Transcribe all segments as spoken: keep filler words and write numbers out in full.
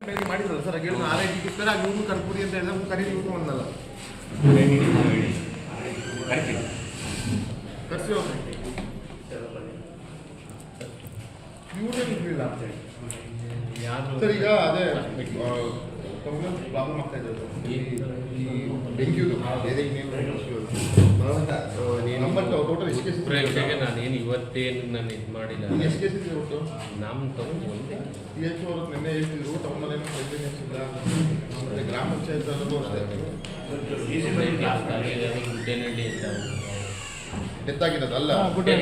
ಮಾಡಿದ್ರಲ್ಲ ಸರ್ ಹೇಳಿ R I T sir ಇವ್ರು ಕರ್ಪೂರಿ ಅಂತ ಹೇಳಿದ್ರೆ ಕರೀರಿ ಇವ್ರು ಒಂದಲ್ಲ ಕರ್ಸಿ ಹೋಗ್ರಿ ಇವ್ರೇನು ಇರಲಿಲ್ಲ ಸರ್ ಈಗ ಅದೇ ಪ್ರಾಬ್ಲಮ್ ಆಗ್ತಾ ಇದೆ ಡೆಂಗ್ಯೂದು ನಂಬರ್ ಟೋಟಲ್ ಎಷ್ಟು ಕೇಸ್ ನಾನೇನು ಇವತ್ತೇನು ನಾನು ಇದು ಮಾಡಿಲ್ಲ ಎಷ್ಟು ಕೇಸ್ ಇದೆ ಒಟ್ಟು ನಮ್ಮ ತಗೊಂಡು ಒಂದೇ ಸಿ ಎಚ್ ಅವರು ನಿನ್ನೆ ಹೇಳ್ತಿದ್ರು ಟೌನಲ್ಲೇನೋ ಕ್ಲೀನ್ನೆಸ್ ಇಲ್ಲ ಮತ್ತು ಗ್ರಾಮ ಪಂಚಾಯತಲ್ಲೂ ಅಷ್ಟೇ ಗುಡ್ಡೇನಹಳ್ಳಿ ಅಂತ ಡೆತ್ ಆಗಿರೋದಲ್ಲ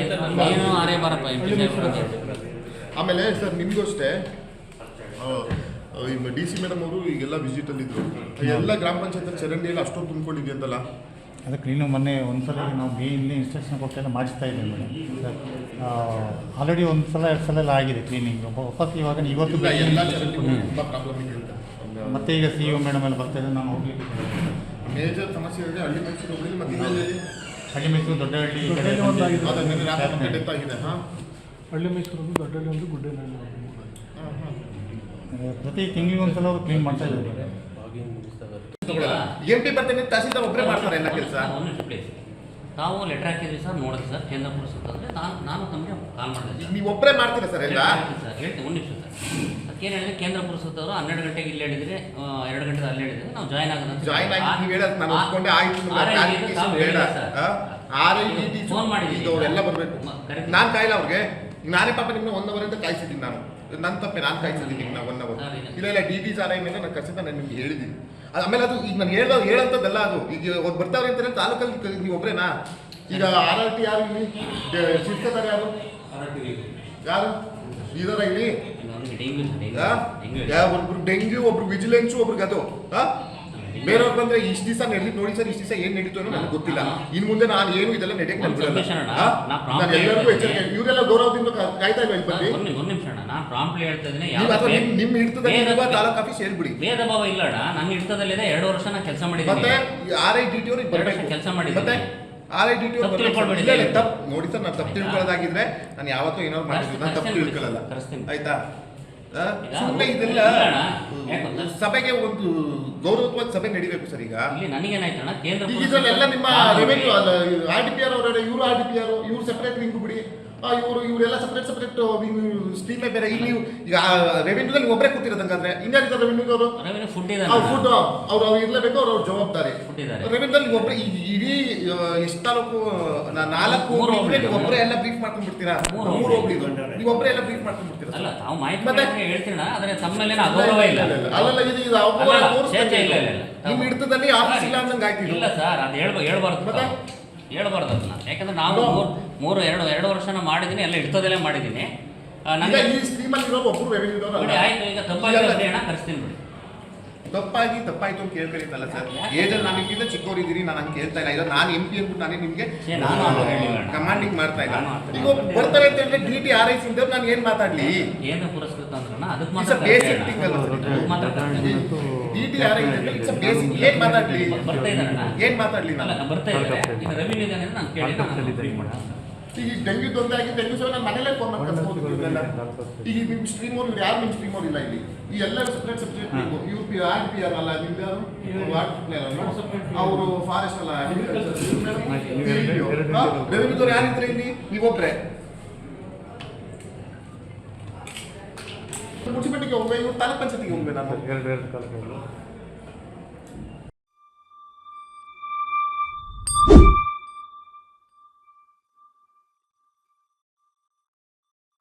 ಆಮೇಲೆ ಸರ್ ನಿಮಗೂ ಅಷ್ಟೇ ಡಿ ಸಿ ಮೇಡಮ್ ಅವರು ಈಗೆಲ್ಲ ವಿಸಿಟಲ್ಲಿದ್ದರು ಎಲ್ಲ ಗ್ರಾಮ ಪಂಚಾಯತ್ ಚರಂಡಿಯಲ್ಲಿ ಅಷ್ಟೊಂದು ತುಂಬಿಕೊಂಡಿದೆ ಅಂತಲ್ಲ ಅದು ಕ್ಲೀನು ಮೊನ್ನೆ ಒಂದು ಸಲ ನಾವು ಮೇನ್ಲಿ ಇನ್ಸ್ಟ್ರಕ್ಷನ್ ಕೊಟ್ಟೆಲ್ಲ ಮಾಡಿಸ್ತಾ ಇದ್ದೀವಿ ಮೇಡಮ್ ಸರ್ ಆಲ್ರೆಡಿ ಒಂದು ಸಲ ಎರಡು ಸಲ ಎಲ್ಲ ಆಗಿದೆ ಕ್ಲೀನಿಂಗ್ ವಾಪಸ್ ಇವಾಗ ಇವತ್ತು ಎಲ್ಲ ಚರಂಡಿ ತುಂಬ ಪ್ರಾಬ್ಲಮ್ ಇದೆ ಅಂತ ಮತ್ತೆ ಈಗ ಸಿ ಒ ಮೇಡಮ್ ಎಲ್ಲ ಬರ್ತಾ ಇದ್ದಾರೆ ನಾನು ಹೋಗ್ಲಿಕ್ಕೆ ಮೇಜರ್ ಸಮಸ್ಯೆ ಇದೆ ಹಳ್ಳಿ ಮೈಸೂರು ಹೋಗಲಿ ಮತ್ತು ಹಳ್ಳಿ ಮೈಸೂರು ದೊಡ್ಡ ಹಳ್ಳಿ ಡೆತ್ ಆಗಿದೆ ಹಾಂ ಹಳ್ಳಿ ಮೈಸೂರು ದೊಡ್ಡಹಳ್ಳಿ ಒಂದು ಗುಡ್ಡೇನಹಳ್ಳಿ ಒಂದು ಪ್ರತಿ ತಿಂಗಳಿಗೆ ಒಂದು ಸಲ ಅವರು ಕ್ಲೀನ್ ಮಾಡ್ತಾ ಇದ್ದಾರೆ ಎಂ ಪಿ ಬರ್ತೇನೆ ತಹಸೀಲ್ದಾರ್ ಒಬ್ಬರೇ ಮಾಡ್ತಾರೆ ಎಲ್ಲ ಕೆಲಸ ತಾವು ಲೆಟರ್ ಹಾಕಿದ್ರಿ ಸರ್ ನೋಡಿದ್ರಿ ಸರ್ ಕೇಂದ್ರ ಪುರಸಭೆ ನಾನು ನಾನು ತಮಗೆ ಕಾಲ್ ಮಾಡಿದೆ ನೀವು ಒಬ್ಬರೇ ಮಾಡ್ತೀರಾ ಸರ್ ಎಲ್ಲ ಸರ್ ಹೇಳ್ತೀನಿ ಒಂದು ನಿಮಿಷ ಸರ್ ಅದಕ್ಕೇನು ಹೇಳಿದ್ರೆ ಕೇಂದ್ರ ಪುರಸಭೆಯವರು ಹನ್ನೆರಡು ಗಂಟೆಗೆ ಇಲ್ಲಿ ಹೇಳಿದ್ರೆ ಎರಡು ಗಂಟೆಗೆ ಅಲ್ಲಿ ಹೇಳಿದ್ರೆ ನಾವು ಜಾಯ್ನ್ ಆಗೋದು ಜಾಯ್ನ್ ಆಗಿ ನೀವು ಹೇಳೋದು ನಾನು ಒಪ್ಕೊಂಡೆ ಆಯ್ತು ಬೇಡ ಆರ್ ಐ ಟಿ ಫೋನ್ ಮಾಡಿದ್ದೀನಿ ಅವರೆಲ್ಲ ಬರಬೇಕು ನಾನು ಕಾಯಿಲ್ಲ ಅವ್ರಿಗೆ ನಾನೇ ಪಾಪ ನಿಮ್ಮನ್ನ ಒನ್ ಅವರ್ ಅಂತ ಕಾಯಿಸಿದ್ದೀನಿ ನಾನು ನನ್ನ ತಪ್ಪೆ ನಾನು ಕಾಯಿಸಿದ್ದೀನಿ ನಿಮ್ಮನ್ನ ಒನ್ ಅವರ್ ಇಲ್ಲ ಇಲ್ಲ ಡಿ ಟಿ ಆರ್ ಐ ಮೇಲೆ ನಾನು ಕಸಿತ ನಾನು ನಿಮ್ಗೆ ಹೇಳಿದ್ದೀನಿ ಅದು ಆಮೇಲೆ ಅದು ಈಗ ನಾನು ಹೇಳ್ದ ಹೇಳೋಂಥದ್ದಲ್ಲ ಅದು ಈಗ ಒಂದು ಬರ್ತಾವ್ರೆ ಅಂತಾರೆ ತಾಲೂಕಲ್ಲಿ ನೀವು ಒಬ್ಬರೇನಾ ಈಗ ಆರ್ ಆರ್ ಟಿ ಯಾರು ಇಲ್ಲಿ ಶಿರ್ತಾರೆ ಯಾರು ಯಾರು ಇದರ ಇಲ್ಲಿ ಒಬ್ರು ಡೆಂಗ್ಯೂ ಒಬ್ರು ವಿಜಿಲೆನ್ಸು ಒಬ್ರಿಗೆ ಅದು ಬೇರೆಯವ್ರು ಬಂದ್ರೆ ಇಷ್ಟು ದಿವಸ ನಡೆದಿದ್ದು ನೋಡಿ ಸರ್ ಇಷ್ಟು ದಿವಸ ಏನ್ ನಡೀತು ಅನ್ನೋ ನನಗೆ ಗೊತ್ತಿಲ್ಲ ಇನ್ ಮುಂದೆ ನಾನು ಏನು ಇದೆಲ್ಲ ನಡೆಯಕ್ಕೆ ನಾನು ಬಿಡಲ್ಲ ನಾನು ಎಲ್ಲರಿಗೂ ಎಚ್ಚರಿಕೆ ಇವರೆಲ್ಲ ಗೌರವದಿಂದ ಕಾಯ್ತಾ ಇಲ್ವಾ ಇಲ್ಲಿ ಬಂದು ಒಂದು ನಿಮಿಷ ಅಣ್ಣ ನಾನು ಪ್ರಾಂಪ್ಲಿ ಹೇಳ್ತಾ ಇದ್ದೀನಿ ನಿಮ್ಮ ಹಿಡಿತದಲ್ಲಿ ತಾಲೂಕು ಆಫೀಸ್ ಹೇಳ್ಬಿಡಿ ಭೇದ ಭಾವ ಇಲ್ಲ ಅಣ್ಣ ನನ್ನ ಹಿಡಿತದಲ್ಲಿದೆ ಎರಡು ವರ್ಷ ನಾನು ಕೆಲಸ ಮಾಡಿದ್ದೀನಿ ಮತ್ತೆ ಆರ್ ಐ ಡಿ ಟಿ ಅವ್ರಿಗೆ ಬರಬೇಕು ಕೆಲಸ ಮಾಡಿದ್ದೀನಿ ಮತ್ತೆ ಆರ್ ಐ ಡಿ ಟಿ ಅವ್ರು ತಪ್ಪು ನೋಡಿ ಸರ್ ನಾನು ತಪ್ಪು ತಿಳ್ಕೊಳ್ಳೋದಾಗಿದ್ರೆ ನಾನು ಯಾವತ್ತೂ ಏನಾದ್ರು ಮಾಡಿದ್ದೀನಿ ನಾನು ತಪ್ಪು ತಿಳ್ಕೊಳ್ಳಲ್ಲ ಆಯ್ತಾ ಸುಮ್ಮನೆ ಇದೆಲ್ಲ ಸಭೆಗೆ ಒಂದು ಗೌರವತ್ವಾದ ಸಭೆ ನಡಿಬೇಕು ಸರ್ ಈಗ ನನಗೇನಾಯ್ತಣ್ಣ ಕೇಂದ್ರ ಇದರಲ್ಲೆಲ್ಲ ನಿಮ್ಮ ರೆವೆನ್ಯೂ ಅಲ್ಲ ಆರ್ ಡಿ ಪಿ ಆರ್ ಅವರ ಇವರು ಆರ್ ಡಿ ಪಿ ಆರ್ ಇವ್ರು ಸೆಪರೇಟ್ ವಿಂಗ್ ಬಿಡಿ ಇವರು ಇವರೆಲ್ಲ ಸಪ್ರೇಟ್ ಸಪ್ರೇಟ್ ಸ್ಟ್ರೀಮೇ ಬೇರೆ ಇಲ್ಲಿ ಈಗ ರೆವೆನ್ಯೂದಲ್ಲಿ ಒಬ್ಬರೇ ಕೂತಿರೋದಂಗಾದ್ರೆ ಇನ್ಯಾರಿದ್ದಾರೆ ರೆವೆನ್ಯೂದವರು ಫುಡ್ ಫುಡ್ ಅವ್ರು ಅವ್ರು ಇರಲೇಬೇಕು ಅವ್ರ ಜವಾಬ್ದಾರಿ ರೆವೆನ್ಯೂದಲ್ಲಿ ಒಬ್ಬರೇ ಇಡೀ ಎಷ್ಟು ತಾಲೂಕು ನಾಲ್ಕು ನೀವು ಒಬ್ಬರೇ ಎಲ್ಲ ಬ್ರೀಫ್ ಮಾಡ್ಕೊಂಡು ಬಿಡ್ತೀರಾ ಮೂರು ಹೋಗ್ಲಿದ್ದು ನೀವು ಒಬ್ಬರೇ ಎಲ್ಲ ಬ್ರೀಫ್ ಮಾಡ್ಕೊಂಡು ಬಿಡ್ತೀರಾ ಅಲ್ಲಲ್ಲ ಇದು ನಿಮ್ಮ ಹಿಡಿತದಲ್ಲಿ ಆಫೀಸ್ ಇಲ್ಲ ಅಂದಂಗೆ ಆಯ್ತು ಇಲ್ಲ ಸರ್ ಅದು ಹೇಳ್ಬ ಹೇಳ್ಬಾರ್ದು ಹೇಳ್ಬಾರ್ದು ಅದನ್ನ ಯಾಕಂದ್ರೆ ನಾವು ಮೂರು ಮೂರು ಎರಡು ಎರಡು ವರ್ಷನ ಮಾಡಿದ್ದೀನಿ ಎಲ್ಲ ಹಿಡ್ತದಲ್ಲೇ ಮಾಡಿದ್ದೀನಿ ನನಗೆ ಈ ಸ್ಕೀಮಲ್ಲಿ ಇರೋ ಒಬ್ಬರು ರೆವೆನ್ಯೂದವರು ಆಯ್ತು ಈಗ ತಪ್ಪಾಗಿ ಅಣ್ಣ ಕರೆಸ್ತೀನಿ ಬಿಡಿ ತಪ್ಪಾಗಿ ತಪ್ಪಾಯ್ತು ಅಂತ ಕೇಳ್ಕರಿತಲ್ಲ ಸರ್ ಏಜಲ್ಲಿ ನನಗಿಂತ ಚಿಕ್ಕವರಿದ್ದೀರಿ ನಾನು ಹಂಗೆ ಕೇಳ್ತಾ ಇಲ್ಲ ಈಗ ನಾನು ಎಂ ಪಿ ಅಂದ್ಬಿಟ್ಟು ನಾನೇ ನಿಮಗೆ ಕಮಾಂಡಿಂಗ್ ಮಾಡ್ತಾ ಇಲ್ಲ ಈಗ ಬರ್ತಾರೆ ಅಂತ ಹೇಳಿದ್ರೆ D T R I C ನಾನು ಏನು ಮಾತಾಡ್ಲಿ ಕೇಂದ್ರ ಪುರಸ್ಕೃತ ಅಂದ್ರೆ ಅದಕ್ಕೆ ಮಾತ್ರ ಬೇಸಿಕ್ ಥಿಂಗ್ ಅಲ್ಲ D T R I it's basic ಏನು ಮಾತಾಡ್ಲಿ ಬರ್ತಾ ಇದ್ದಾರಣ್ಣ ಏನು ಮಾತಾಡ್ಲಿ ನಾನು ಬರ್ತಾ ಇದ್ದಾರೆ ಈಗ ರೆವಿನ್ಯೂ ಇದೆ ಅಂದ್ರೆ ನಾನು ಕೇಳಿ ನಾನು ಈಗ ಡೆಂಗ್ಯೂ ತೊಂದರೆ ಆಗಿ ಡೆಂಗ್ಯೂ ಸಹ ನಾನು ಮನೇಲೆ ಫೋನ್ ಮಾಡಿ ಕಳ್ಸ್ಬೋದು ಇವರೆಲ್ಲ ಈಗ ನಿಮ್ಮ ಸ್ಟ್ರೀಮ್ ಅವ್ರು ಇವ್ರು ಯಾರು ನಿಮ್ಮ ಸ್ಟ್ರೀಮ್ ಅವ್ರು ಇಲ್ಲ ಇಲ್ಲಿ ಈ ಎಲ್ಲ separate subject U P R P R ಅಲ್ಲ ನಿಮ್ದು ಯಾರು ಅವರು ಫಾರೆಸ್ಟ್ ಅಲ್ಲ ರೆವಿನ್ಯೂದವ್ರು ಯಾರಿದ್ರೆ ಇಲ್ಲಿ ನೀವೊಬ್ಬರೇ ಮುನ್ಸಿಪಾಲಿಟಿಗೆ ಹೋಗ್ಬೇಕು ಇವ್ರು ತಾಲೂಕ್ ಪಂಚಾಯತಿಗೆ ಹೋಗ್ಬೇಕು ನಾನು ಎರಡು ಎರಡು ಕಾಲಕ್ಕೆ